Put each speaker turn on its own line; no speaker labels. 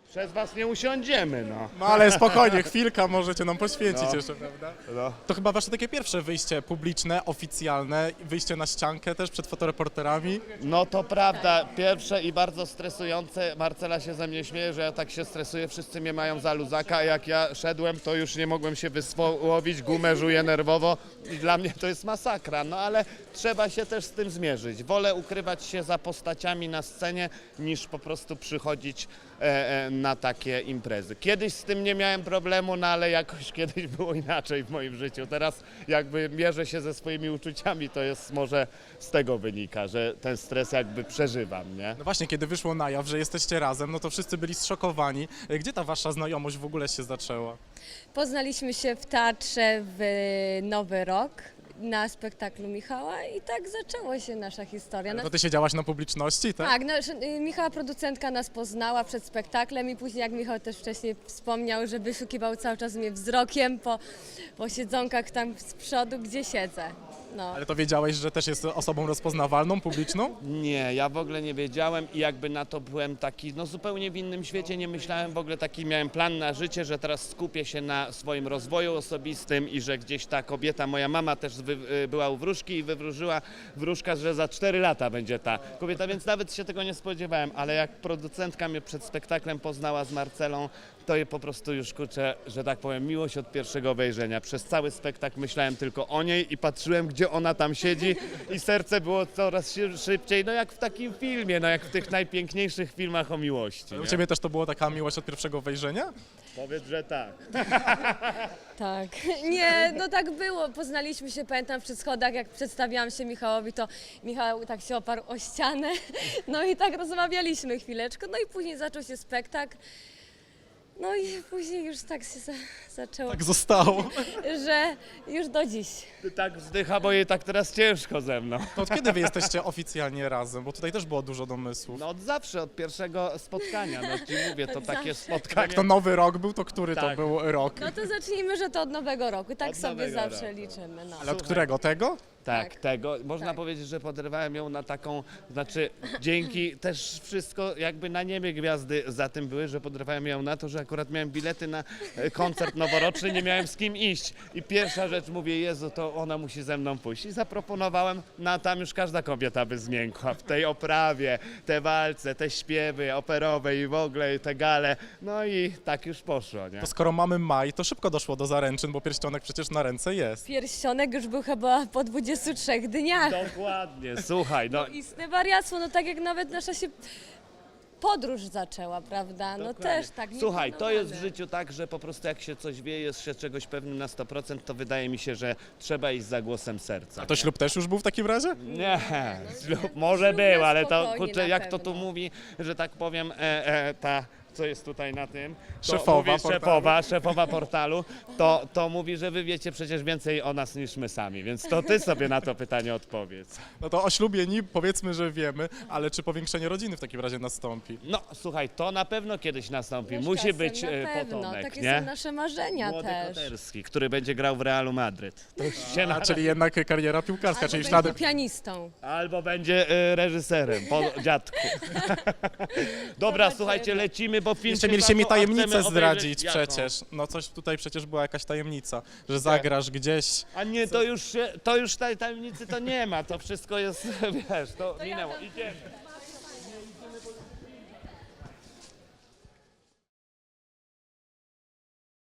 Przez was nie usiądziemy, no.
No ale spokojnie, chwilka możecie nam poświęcić
No.
jeszcze, prawda?
No.
To chyba wasze takie pierwsze wyjście publiczne, oficjalne, wyjście na ściankę też przed fotoreporterami.
No to prawda, pierwsze i bardzo stresujące. Marcela się ze mnie śmieje, że ja tak się stresuję, wszyscy mnie mają za luzaka, a jak ja szedłem, to już nie mogłem się wysłowić, gumę żuję nerwowo i dla mnie to jest masakra, no ale trzeba się też z tym zmierzyć. Wolę ukrywać się za postaciami na scenie, niż po prostu przychodzić na takie imprezy. Kiedyś z tym nie miałem problemu, no ale jakoś kiedyś było inaczej w moim życiu. Teraz jakby mierzę się ze swoimi uczuciami, to jest może z tego wynika, że ten stres jakby przeżywam, nie?
No właśnie, kiedy wyszło na jaw, że jesteście razem, no to wszyscy byli zszokowani. Gdzie ta wasza znajomość w ogóle się zaczęła?
Poznaliśmy się w teatrze w Nowy Rok na spektaklu Michała i tak zaczęła się nasza historia.
To ty siedziałaś na publiczności, tak?
Tak, Michała producentka nas poznała przed spektaklem i później, jak Michał też wcześniej wspomniał, że wyszukiwał cały czas mnie wzrokiem po siedzonkach tam z przodu, gdzie siedzę. No.
Ale to wiedziałeś, że też jest osobą rozpoznawalną, publiczną?
Nie, ja w ogóle nie wiedziałem i jakby na to byłem taki, no zupełnie w innym świecie, nie myślałem w ogóle, taki miałem plan na życie, że teraz skupię się na swoim rozwoju osobistym i że gdzieś ta kobieta, moja mama też była u wróżki i wywróżyła wróżka, że za 4 lata będzie ta kobieta, więc nawet się tego nie spodziewałem, ale jak producentka mnie przed spektaklem poznała z Marcelą, to je po prostu już, kurczę, że tak powiem, miłość od pierwszego wejrzenia. Przez cały spektakl myślałem tylko o niej i patrzyłem, gdzie ona tam siedzi i serce było coraz szybciej, no jak w takim filmie, no jak w tych najpiękniejszych filmach o miłości.
U
Nie?
ciebie też to była taka miłość od pierwszego wejrzenia?
Powiedz, że tak.
Tak. Nie, no tak było. Poznaliśmy się, pamiętam, przy schodach, jak przedstawiałam się Michałowi, to Michał tak się oparł o ścianę. No i tak rozmawialiśmy chwileczkę. No i później zaczął się spektakl. No i później już tak się zaczęło,
Tak zostało.
że już do dziś.
Ty tak wzdycha, bo jej tak teraz ciężko ze mną.
To od kiedy wy jesteście oficjalnie razem? Bo tutaj też było dużo domysłów.
No od zawsze, od pierwszego spotkania, no ci mówię, to
Od
takie
zawsze.
spotkanie.
Jak to nowy rok był, to który to
Tak.
był rok?
No to zacznijmy, że to od Nowego Roku. Tak
Od
sobie
Nowego
zawsze
roku.
liczymy. No.
Ale od którego? Tego?
Tak,
Tak.
tego. Można
Tak.
powiedzieć, że podrywałem ją na taką, znaczy dzięki też wszystko jakby na niebie gwiazdy za tym były, że podrywałem ją na to, że akurat miałem bilety na koncert noworoczny, nie miałem z kim iść. I pierwsza rzecz mówię, Jezu, to ona musi ze mną pójść. I zaproponowałem, no a tam już każda kobieta by zmiękła w tej oprawie, te walce, te śpiewy operowe i w ogóle te gale. No i tak już poszło, nie?
To skoro mamy maj, to szybko doszło do zaręczyn, bo pierścionek przecież na ręce jest.
Pierścionek już był chyba po 23 dniach.
Dokładnie, słuchaj, no
Istne wariactwo, no tak jak nawet nasza się podróż zaczęła, prawda? No
dokładnie.
też tak.
Słuchaj, to jest w
nieplanowane.
życiu tak, że po prostu jak się coś wie, jest się czegoś pewnym na 100%, to wydaje mi się, że trzeba iść za głosem serca.
A to ślub też już był w takim razie?
Nie, ślub może
Ślub
był,
na
ale to
spokojnie
kurczę,
na
jak to tu
pewno.
mówi, że tak powiem, ta, co jest tutaj na tym, to
Szefowa
mówi
portalu.
szefowa portalu, to mówi, że wy wiecie przecież więcej o nas niż my sami, więc to ty sobie na to pytanie odpowiedz.
No to o ślubie powiedzmy, że wiemy, ale czy powiększenie rodziny w takim razie nastąpi?
No słuchaj, to na pewno kiedyś nastąpi,
No z
musi
czasem
być
na pewno.
potomek,
Takie
nie?
są nasze marzenia
Młody
też.
Koterski, który będzie grał w Realu Madryt. To już się
A, czyli jednak kariera piłkarska,
Albo
czyli
będzie
ślady...
pianistą.
Albo będzie reżyserem, po dziadku. Dobra,
Zobaczymy.
słuchajcie, lecimy, bo film
Jeszcze
się
mieliście mi
zaczął, a
tajemnicę
chcemy obejrzeć
zdradzić
jaką?
przecież. No coś tutaj przecież była jakaś tajemnica, że zagrasz gdzieś.
A nie, to już tej tajemnicy to nie ma, to wszystko jest, wiesz, to minęło, idziemy.